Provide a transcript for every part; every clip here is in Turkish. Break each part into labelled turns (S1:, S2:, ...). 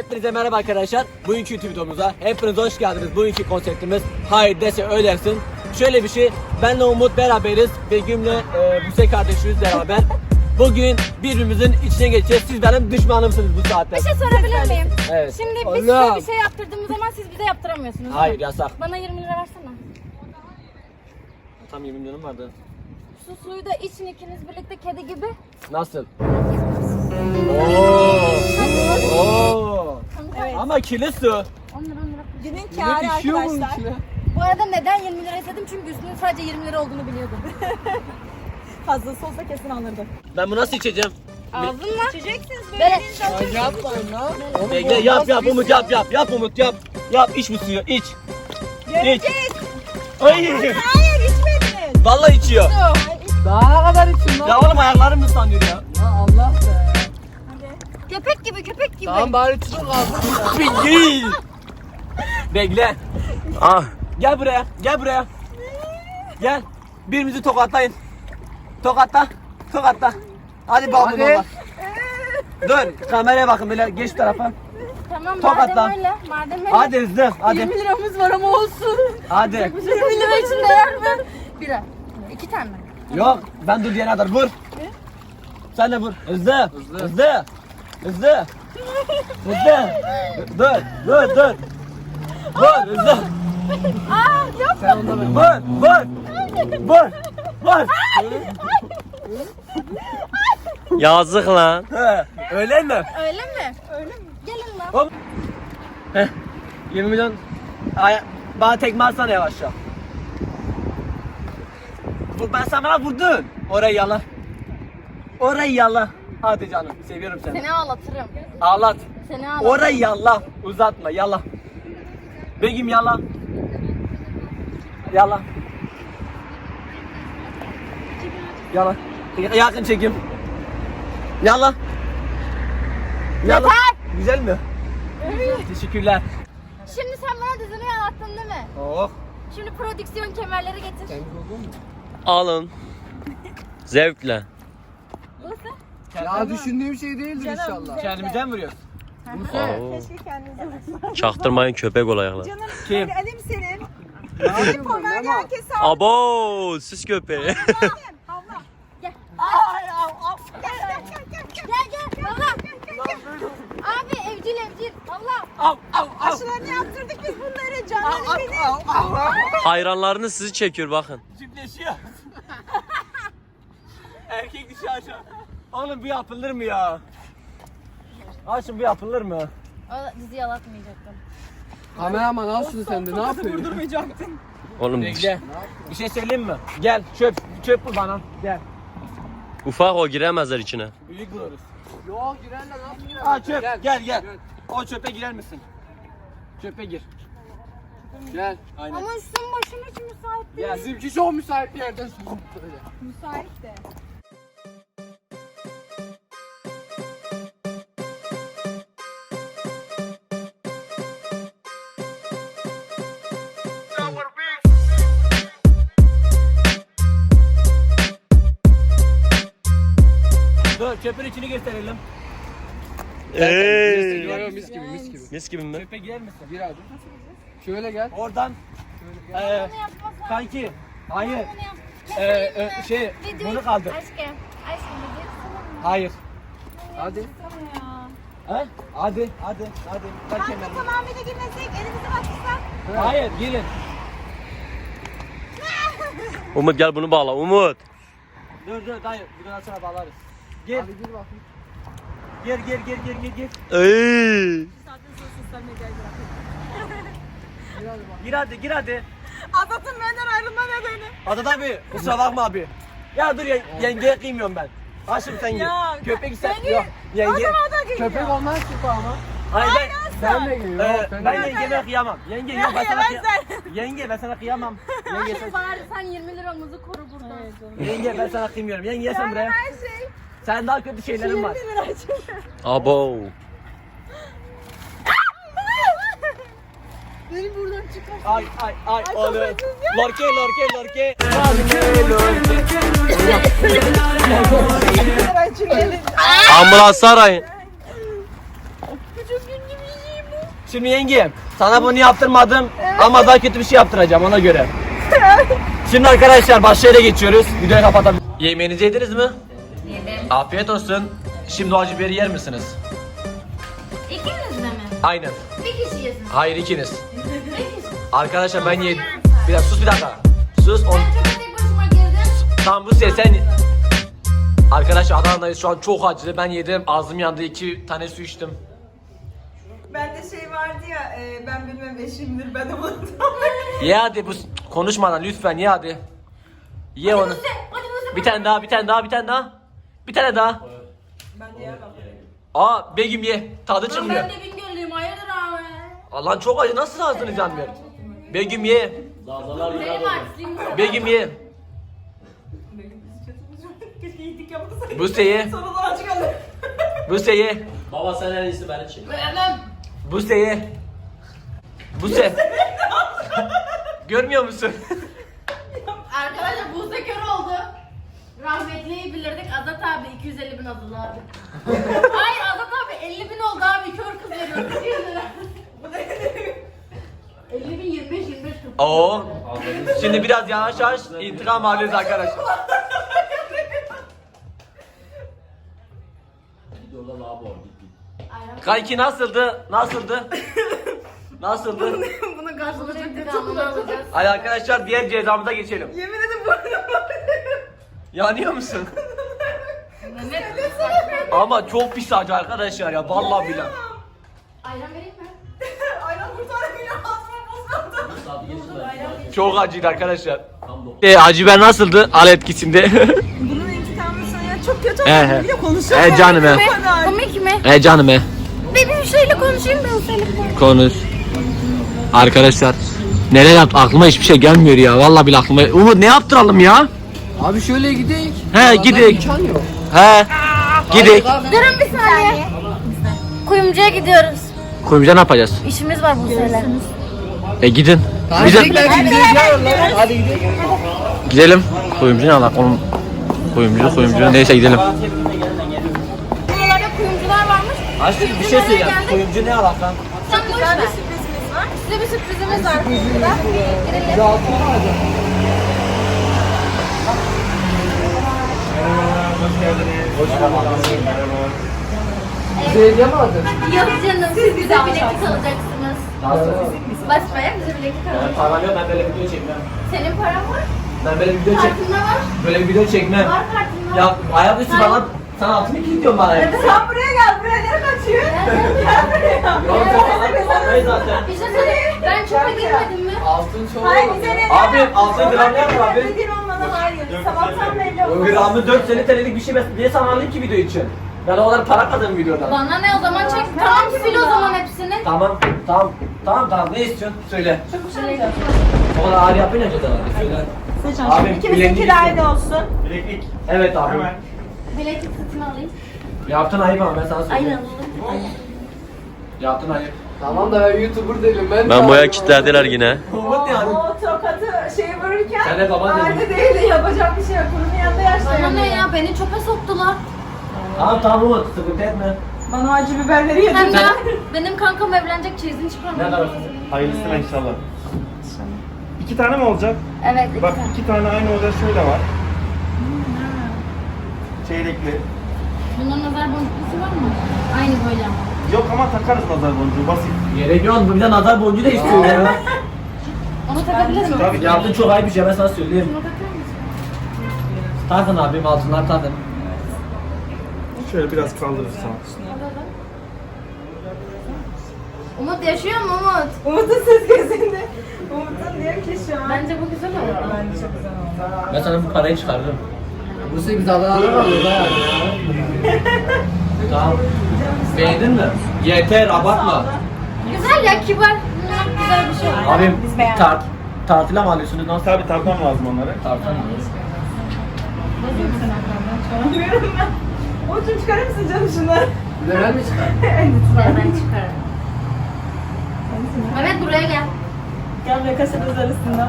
S1: Hepinize merhaba arkadaşlar. Bugünkü YouTube videomuza hepiniz hoş geldiniz. Bugünkü konseptimiz hayır dese ölersin. Şöyle bir şey, benle Umut beraberiz. Begüm'le Buse kardeşimiz beraber. Bugün birbirimizin içine geçeceğiz. Siz benim düşmanımsınız bu saatte.
S2: Bir şey sorabilir miyim?
S1: Evet.
S2: Şimdi biz size bir şey yaptırdığımız zaman siz bize yaptıramıyorsunuz.
S1: Hayır, yasak.
S2: Bana 20 lira versene.
S1: Tam 20 milyonum vardı.
S2: Şu suyu da için ikiniz birlikte kedi gibi.
S1: Nasıl? Oo.
S2: Evet.
S1: Ama kirli su.
S2: 10 lira 10 lira.
S3: Günün kârı arkadaşlar.
S2: Bu arada neden 20 lira istedim? Çünkü üstünün sadece 20 lira olduğunu biliyordum.
S3: Fazlası olsa kesin alırdım.
S1: Ben bunu nasıl içeceğim?
S2: Ağzınla.
S3: İçeceksiniz
S2: Böyle.
S4: Yapmayın lan.
S1: Bekle, yap Umut, yap Umut, yap. Yap, iç bu suyu, iç.
S3: Göreceğiz.
S1: Ay.
S3: Hayır içmediniz.
S1: Vallahi içiyor.
S4: Daha ne kadar için lan?
S1: Ya oğlum ayaklarım ıslanıyor ya.
S4: Ya Allah be.
S2: Köpek gibi köpek gibi.
S4: Tamam bari tutun kalsın.
S1: Değil. Bekle. Ah. Gel buraya, gel buraya. Gel. Birimizi tokatlayın. Tokatla, tokatla. Hadi bakalım
S4: Hadi.
S1: baba. Dur, kameraya bakın böyle geç tarafa.
S2: Tamam
S1: Tokatla.
S2: madem öyle. Madem öyle.
S1: Hadi hızlı, hadi.
S2: 20 liramız var ama olsun.
S1: Hadi.
S2: 20 lira için değer mi? Bira. 2 tane.
S1: Yok, ben dur diyene kadar vur. Sen de vur. Hızlı, hızlı. Hızlı. Hızlı. Dur, dur, dur. Vur, hızlı.
S2: Aa yok.
S4: Sen onda ben.
S1: Vur, vur. Vur. Vur.
S5: Yazık lan.
S1: He, öyle mi?
S2: Öyle mi? Öyle mi? Gelin lan.
S1: Hop. Heh. 20 milyon. Bana tekme atsana yavaşça. Ben sana bana vurdun. Orayı yala. Orayı yala. Hadi canım, seviyorum seni.
S2: Seni ağlatırım.
S1: Ağlat.
S2: Seni ağlatırım.
S1: Orayı yala. Uzatma, yala. Begüm yala. Yala. Yala. Yakın çekim. Yala. Yala.
S2: Yeter.
S1: Güzel mi?
S2: Evet.
S1: Teşekkürler.
S2: Şimdi sen bana dizini anlattın değil mi?
S1: Oh.
S2: Şimdi prodüksiyon kemerleri getir.
S5: Alın. Zevkle.
S4: Ya düşündüğüm şey değildir inşallah.
S1: Kendimizden mi vuruyoruz?
S5: Oo.
S3: Keşke kendinize.
S5: Çaktırmayın köpek olayaklar.
S3: Canım
S1: Kim?
S3: hadi alayım senin.
S4: Ne yapayım ben
S3: Pomerli
S4: ama?
S3: herkes sağ.
S5: Abo süs köpeği.
S3: Havla.
S2: Gel.
S3: Gel.
S2: Gel. Allah. Abi evcil. Allah.
S1: Av av av.
S3: Aşılarını yaptırdık biz bunları. Canları benim.
S5: Hayranlarını sizi çekiyor bakın.
S1: Çiftleşiyor. Erkek dişi aşağı. Oğlum bu yapılır mı ya? Aşkım bu yapılır mı?
S2: O dizi yalatmayacaktım.
S4: Kameraman al şunu sen de ne yapıyorsun?
S3: Vurdurmayacaktın.
S5: Oğlum
S1: Bekle. Bir şey söyleyeyim mi? Gel çöp bul bana. Gel.
S5: ufak o giremezler içine.
S1: Büyük buluruz.
S4: Yok girenler ne yapayım?
S1: Aa çöp gel. O çöpe girer misin? Çöpe gir.
S4: Gel.
S1: Aynen.
S2: Ama üstün başım hiç müsait değil.
S1: Gel.
S4: Bizimki çok müsait bir yerden sokup böyle.
S3: Müsait de.
S1: Dur çöpün içini gösterelim.
S5: Eee.
S4: Yo, yo, mis gibi mis gibi.
S5: Mis gibi mi?
S1: Çöpe girer misin?
S4: Gir hadi. Şöyle gel.
S1: Oradan.
S2: Bunu yapmasan.
S1: Kanki. Hayır.
S2: Bunu yap.
S1: Bunu kaldır.
S2: Aşkım. Aşkım video sana.
S1: Hayır.
S4: Hadi.
S2: Sana ya.
S1: He? Hadi. Ver kemerini.
S3: Tamamıyla girmesek elimizi açsak.
S1: Hayır girin.
S5: Umut gel bunu bağla Umut.
S1: Dur dayı. Buradan sonra bağlarız. Gir.
S4: Hadi gir bakayım.
S1: Gir.
S5: Eee.
S1: Gir hadi.
S3: Azat'ın benden ayrılma nedeni.
S1: Adat abi kusura bakma abi. Ya dur yengeye kıymıyorum ben. Aşkım sen gir.
S3: Ya,
S1: Köpek sen
S3: ben
S1: yok. Yenge.
S3: Adam'a da geliyor.
S4: Köpek olmaz ki ama.
S1: Hayır
S4: Sen de gir. Yok,
S1: ben yengeme kıyamam. Yenge yok ben sana
S3: yemezler.
S1: Yenge ben sana kıyamam. Yenge sen,
S2: Bari sen 20 liramızı koru burada.
S1: yenge ben sana kıymıyorum. Yenge sen buraya.
S3: Her şey.
S1: Sen daha kötü şeylerin var.
S3: 20 lira için.
S5: Abo.
S3: Beni buradan çıkar.
S1: Ay oğlum. Lorke.
S3: Ben çünkü
S5: Ambulans arayın.
S3: Küçük gün gibi
S1: Şimdi yengem sana bunu yaptırmadım ama daha kötü bir şey yaptıracağım ona göre. Şimdi arkadaşlar başka yere geçiyoruz. Videoyu kapatalım. Yemeğinizi yediniz mi?
S2: Yedim.
S1: Afiyet olsun. Şimdi o acı biberi yer misiniz?
S2: İkiniz de mi?
S1: Aynen.
S2: Bir kişi yesin.
S1: Hayır ikiniz.
S2: Bir kişi.
S1: Arkadaşlar ben yedim. Bir dakika sus bir dakika. Sus.
S2: Ben çok tek başıma girdim.
S1: Tamam bu sen. Arkadaşlar Adana'dayız şu an çok acılı. Ben yedim ağzım yandı 2 tane su içtim.
S3: Bende şey vardı ya, ben bilmem eşimdir, ben unuttum.
S1: Ye hadi bu konuşmadan lütfen ye hadi. Ye onu.
S2: Hadi Buse.
S1: Bir tane daha, bir tane daha, bir tane daha. Bir tane daha.
S3: Ben de yemem.
S1: Aa Begüm ye. Tadı çıkmıyor.
S2: Ben de Bingöllüyüm. Hayırdır abi?
S1: Allah'ın çok acı nasıl ağzınız yanmıyor? Begüm ye.
S2: Benim artık.
S1: Begüm ye.
S3: Keşke iyilik yapmasaydım.
S1: Buse ye.
S3: Sonra da acı kalır.
S1: Buse ye.
S5: Baba sen en iyisi beni çek.
S1: Buse ye. Buse. Görmüyor musun?
S2: Arkadaşlar Buse kör oldu. Rahmetliyi bilirdik. Azat abi 250 bin aldı abi. Hayır Azat abi 50 bin oldu abi. Kör kız veriyor. 200 lira. 50 bin 25 40.
S1: Oo. Şimdi biraz yavaş yavaş intikam alıyoruz arkadaşlar. Kanki nasıldı? Nasıldı? Nasıldı?
S3: Bunun karşılığı çok kötü.
S2: İntikamını alacağız.
S1: Hadi arkadaşlar diğer cezamıza geçelim.
S3: Yemin ederim burnum
S1: Yanıyor musun?
S2: Mehmet
S1: Ama çok pis acı arkadaşlar ya vallahi billahi.
S2: ayran vereyim mi?
S3: Ayran kurtaramıyor, ağzıma bozuldu.
S1: Çok acıydı arkadaşlar. Acı biber nasıldı? Al etkisinde.
S3: Bunun intikamını sana çok kötü
S1: He, he.
S3: oldu. Bir de konuşuyor.
S1: He canım he.
S2: Komik mi?
S1: Canım he.
S2: Bir şeyle konuşayım ben seninle.
S1: Konuş. Arkadaşlar neler yaptı aklıma hiçbir şey gelmiyor ya. Vallahi billahi aklıma. Umut ne yaptıralım ya?
S4: Abi şöyle gidelim.
S1: He gidelim.
S4: İmkan yok.
S1: He. Gidelim.
S2: Durun bir saniye. Kuyumcuya gidiyoruz.
S1: Kuyumcuya ne yapacağız?
S2: İşimiz var bu sene.
S1: Gidin.
S4: Tamam
S1: Bizim
S4: gidelim ya. Hadi gidelim.
S1: gidelim. Kuyumcu ne alak onun? Kuyumcu neyse gidelim.
S2: Buralarda kuyumcular varmış.
S1: Aşkım bir şey söyleyeceğim. Kuyumcu ne alak lan?
S2: Sen boş ver. Size bir sürprizimiz var kuyumcuda. Girelim.
S4: Bize hediye mi aldın?
S2: Yok canım siz bize bileklik alacaksınız.
S1: Nasıl?
S2: Basmaya bize bileklik alacaksınız.
S1: Param yok ben böyle video çekmem.
S2: Senin paran var.
S1: Ben böyle video çek.
S2: Kartında var.
S1: Böyle video çekmem.
S2: Var kartında.
S1: Ya ayaküstü bana sen altını kilitliyorsun bana.
S3: Sen buraya gel, buraya nereye kaçıyor? Gel buraya.
S1: Yok sen zaten.
S2: Bir şey söyleyeyim. Ben çöpe girmedim mi?
S4: Altın çok
S3: Hayır,
S4: oldu.
S3: bize ne?
S1: Abi altın gram ne yapar abi?
S3: Dediğin olmadan hayır. Sabahtan belli
S1: O
S3: oldu.
S1: gramı 4 sene TL'lik bir şey diye sanarlı ki video için. Ben o kadar para kazandım videodan.
S2: Bana ne o zaman çek. Tamam sil o zaman hepsini.
S1: Tamam ne istiyorsun söyle.
S2: Şöyle.
S1: O kadar ağır yapınca da söyle. Abi,
S3: İkimizin
S1: bileğini
S3: kirayı olsun.
S6: Bileklik.
S1: Evet abi.
S6: Hemen.
S2: Bileklik satın alayım.
S1: Yaptın ayıp ama ben sana
S2: Aynen
S1: söyleyeyim.
S2: olur.
S1: Yaptın ayıp.
S4: Tamam da ben YouTuber değilim.
S5: Ben boya kilitlediler yine.
S1: Umut yani.
S3: O tokatı şeyi vururken
S1: Sen de baban dedin.
S3: anne değil, yapacak bir şey yok. Bunun yanında yaşlı.
S2: Bana ne ya beni çöpe soktular.
S1: Tamam Umut sıkıntı etme.
S3: Bana acı biberleri
S2: Hem
S3: yedim.
S2: de benim kankam evlenecek çeyizini
S1: Ne
S2: çıkarmadı.
S1: kadar?
S6: Hayırlısına inşallah. 2 tane mi olacak?
S2: Evet.
S6: Bak 2 tane aynı odada şöyle var. Çeyrekli.
S2: Bunların nazar boncuklusu var mı? Aynı böyle ama.
S6: Yok ama takarız nazar boncuğu basit.
S1: Gerek yok. Bu bir de nazar boncuğu da istiyor ya.
S2: Onu takabilir miyim?
S6: Tabii ki.
S1: Yaptın çok ayıp bir şey ben sana söyleyeyim.
S2: Bunu takar mısın?
S1: Takın abim altınlar takın.
S6: Şöyle biraz kaldırırsan.
S2: Umut yaşıyor mu Umut?
S3: Umut'un ses gözünde. Umut'un diyor ki şu an.
S2: Bence bu güzel oldu.
S3: Bence çok güzel oldu.
S1: Ben sana bu parayı çıkarırım.
S4: Bu sefer biz Adana'dan alıyoruz ha.
S1: Tamam. Beğendin mi? Yeter abartma.
S2: Güzel ya kibar. Güzel bir şey.
S1: Abim
S3: Biz beğendik.
S1: tartıla mı alıyorsunuz? Nasıl?
S6: Tabii tartmam lazım onları.
S1: Tartıla mı?
S3: Diyorum ben. Umut'un çıkarır mısın canım şunları?
S4: Bir de ben mi çıkarım?
S2: Ben çıkarım. Mehmet buraya gel.
S3: Gel ve kaşarız arasında.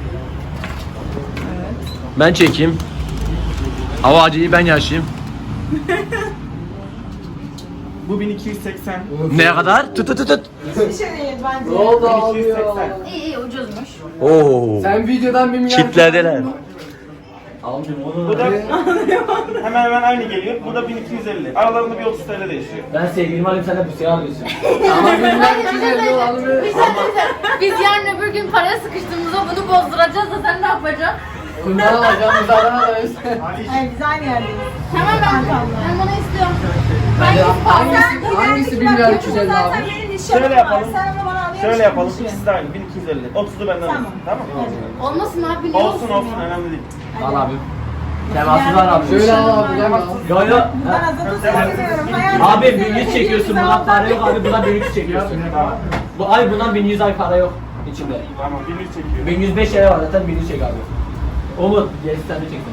S1: Ben çekeyim. Hava acıyı ben yaşayayım.
S6: Bu 1280.
S5: Ne kadar? Tut tut tut.
S3: Bir şey değil bence.
S4: Ne oldu abi ya?
S6: 1280.
S2: İyi iyi ucuzmuş.
S5: Oo.
S4: Sen videodan 1 milyar...
S5: Kitlediler.
S6: Bu da hemen hemen aynı geliyor. Bu da 1250. Aralarında bir 30 TL değişiyor.
S1: Ben sevgilimi alayım sen de bu siyah alıyorsun.
S4: Ama 1 milyar 250 olanı
S2: Bir şey söyleyeceğim. Biz yarın öbür gün paraya sıkıştığımızda bunu bozduracağız da sen ne yapacaksın?
S4: Bundan alacağımız adam arayız.
S3: Hayır biz aynı yerdeyiz.
S2: Hemen ben bunu istiyorum.
S4: Hangisi 1 milyar 250 abi?
S3: Zaten benim nişanım
S6: Şöyle
S3: var.
S6: yapalım.
S3: Sen onu bana alıyorsun.
S6: Şöyle yapalım. İkisi de aynı. 1250. 30'u benden
S3: Tamam.
S6: alsın. Tamam mı?
S2: Olmasın abi niye
S6: Olsun olsun. Önemli değil.
S1: Al abi. Temassız var abi.
S4: Şöyle al abi. Gel al.
S1: Yo yo.
S3: Ben Azat'ı seviyorum. Hayatım
S1: Abi
S3: seviyorum.
S1: 1100 çekiyorsun bundan para yok abi bundan 1100 çekiyorsun.
S6: Tamam.
S1: Bu ay bundan 1100 ay para yok içinde.
S6: Tamam. 1100 çekiyor.
S1: 1105 lira var zaten 1100 çek abi. Umut gerisi sen de çeksin.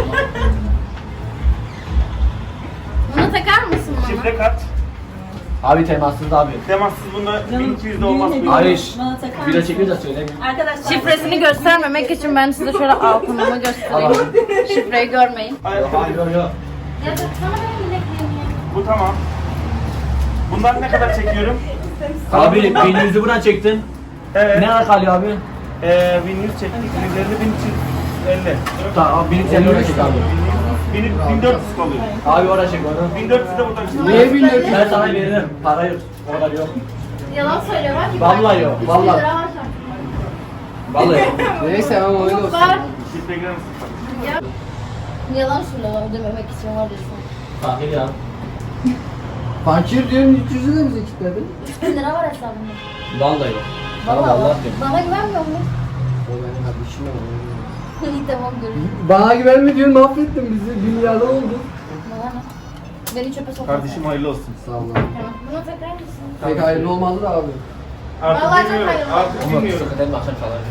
S2: Bunu takar mısın bana?
S6: Şifre kaç?
S1: Abi temassız abi.
S6: Temassız bunda 1200'de olmaz mı?
S1: Hayır.
S3: Bana takar
S1: Bir de
S3: mısın?
S1: çekiyor da söyleyeyim.
S3: Arkadaşlar.
S2: Şifresini göstermemek için ben size şöyle altınımı göstereyim. Şifreyi görmeyin.
S1: Yok hayır yok yok.
S2: Ya sana benim bilekliğimi ya.
S6: Bu tamam. Bundan ne kadar çekiyorum?
S1: Abi 1100'ü buradan çektin.
S6: Evet.
S1: Ne kadar kalıyor abi?
S6: 1100 çektik. 150 1350.
S1: Tamam 1150 oraya çek abi.
S6: 1400 kalıyor.
S1: Abi oraya çek onu.
S6: 1400 de buradan çekiyor.
S4: Niye 1400?
S1: Ben sana veririm. Para yok. O kadar yok.
S2: Yalan söylüyor bak.
S1: Vallahi yok,
S2: 3
S1: vallahi.
S2: lira var şu an.
S1: Vallahi yok.
S4: Neyse ama öyle olsun.
S2: Var.
S6: Şifre girer misin?
S2: Yalan söylüyor ödememek için var diyorsun.
S1: Fakir ya.
S4: Fakir diyorum 300'ü de bize kilitledin.
S2: 3000 lira var hesabımda.
S1: Vallahi yok. Sana
S2: Vallahi
S1: vallahi
S2: var.
S1: diyorum.
S2: Bana güvenmiyor musun?
S4: O benim kardeşim ama.
S2: İyi tamam görüşürüz.
S4: Bana güvenme diyorsun mahvettin bizi. 1 milyardan oldu.
S2: Bana ne? Beni çöpe sokma.
S6: Kardeşim hayırlı olsun.
S4: Sağ ol abi.
S2: Tamam. Bunu takar mısın?
S4: Pek hayırlı olmadı da abi.
S6: Artık
S2: Vallahi çok
S6: bilmiyorum.
S2: hayırlı.
S6: Artık
S1: Ama
S6: bilmiyorum.
S1: sıkıntı etme akşam çalar.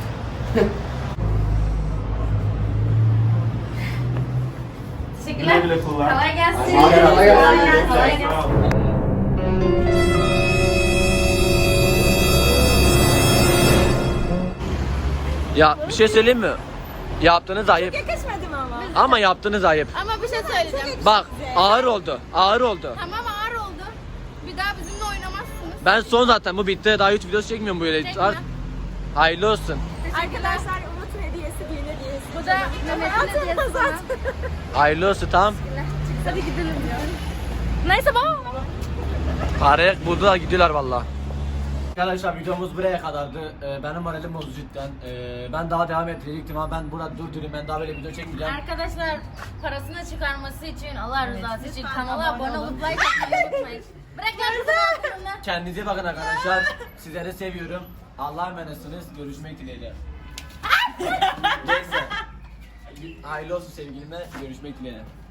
S2: Teşekkürler.
S6: Güle güle kullan.
S2: Kolay gelsin.
S4: Kolay gelsin.
S2: Kolay gelsin.
S6: Sağ ol.
S5: Ya bir şey söyleyeyim mi? Yaptığınız ayıp.
S3: Yakışmadım ama.
S5: Ama yaptığınız ayıp.
S2: Ama bir şey söyleyeceğim.
S5: Bak ağır oldu. Ağır oldu.
S2: Tamam ağır oldu. Bir daha bizimle oynamazsınız.
S5: Ben son zaten bu bitti. Daha 3 videosu çekmiyorum böyle.
S2: Çekme.
S5: Hayırlı olsun.
S3: Arkadaşlar Umut'un hediyesi, düğün hediyesi.
S2: Bu da Mehmet'in hediyesi sana.
S5: Hayırlı olsun tamam.
S2: Hadi gidelim ya. Neyse baba.
S5: Parayı buldular gidiyorlar valla.
S1: Arkadaşlar videomuz buraya kadardı. Benim moralim bozdu cidden. Ben daha devam ettirecektim ama ben burada durdurayım. Ben daha böyle video çekmeyeceğim.
S2: Arkadaşlar parasını çıkarması için Allah rızası için kanala abone olup like atmayı unutmayın. Bırak lan.
S1: Kendinize bakın arkadaşlar. Sizleri seviyorum. Allah'a emanetsiniz. Görüşmek dileğiyle. Neyse. Hayırlı olsun sevgilime. Görüşmek dileğiyle.